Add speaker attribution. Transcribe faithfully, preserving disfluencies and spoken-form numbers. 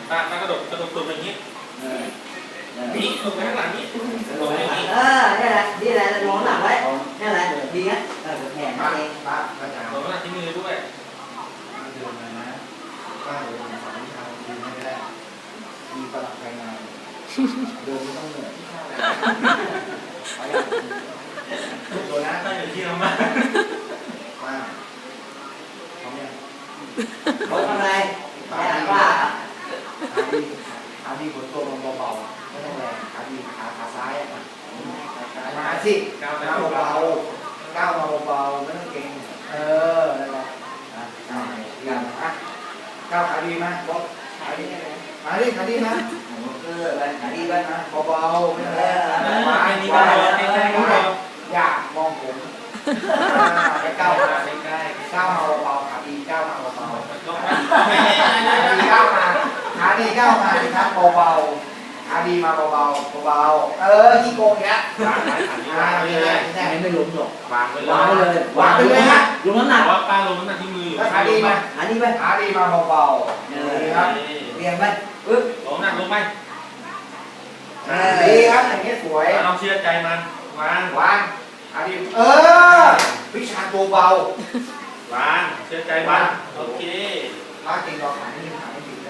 Speaker 1: ตาตากระโดดกระโดดตัวอย่างนี้นี่ลงไปข้างหลังนี้ลงอย่างนี้
Speaker 2: เออนี่แหละนี่แหละมองหลังไว้นี่แหละดีนะเออแขนนั่นเองป้าป้าจ๋า
Speaker 1: ลงข้างหลังที่มือด้วย
Speaker 2: เดินมานะป้าเดินสองทางดีไม่ได้มีประหลัดภายในเดินไม่ต้องเหนื่อยไปดูนะ
Speaker 1: ตั้งอยู่ที่เรามา
Speaker 2: มาพร้อมยังเขาทำอะไรแขนป้าขาดีขาดีบนตัวมันเบาๆไม่ต้องแรงขาดีขาขาซ้ายอ่ะมาสิก้าวมาเบาๆก้าวมาเบาๆไม่ต้องเก่งเออนั่นแหละอ่ะก้าวอย่างอ่ะก้าวขาดีมาบอกขาดีขาดีขาดีนะเอออะไรขาดีไปนะเบาๆไม่ต้องแรงมาไอ้นี่ก็ใกล้ๆก็อย่ามองผมก้าวมาใกล้ๆก้าวมาเบาๆขาดีก้าวมาเบาๆขาดีก้าวมาขาดีก้าวมาดิครับเบาๆขาดีมาเบาๆเบาๆเออขี้โกงเนี้ยวางไว้ขาดีเลยไม่ไม่ล้มหรอกวางไปเลยวางไปเลยวางไปเลยฮะลงน้ำหนัก
Speaker 1: ว่าป้าลงน้ำหนักที่มือ
Speaker 2: ขาดีมาขาดีไปขาดีมาเบาๆเออครับเรียงไปปึ๊บ
Speaker 1: ลงน้ำหนักลงไป
Speaker 2: ดีครับอย่างนี้สวย
Speaker 1: เราเชื่อใจมันวาง
Speaker 2: วางขาดีเออวิชาตัวเบาว
Speaker 1: างเชื่อใจมันโอเค
Speaker 2: ถ้าจริงเราขานี่ขา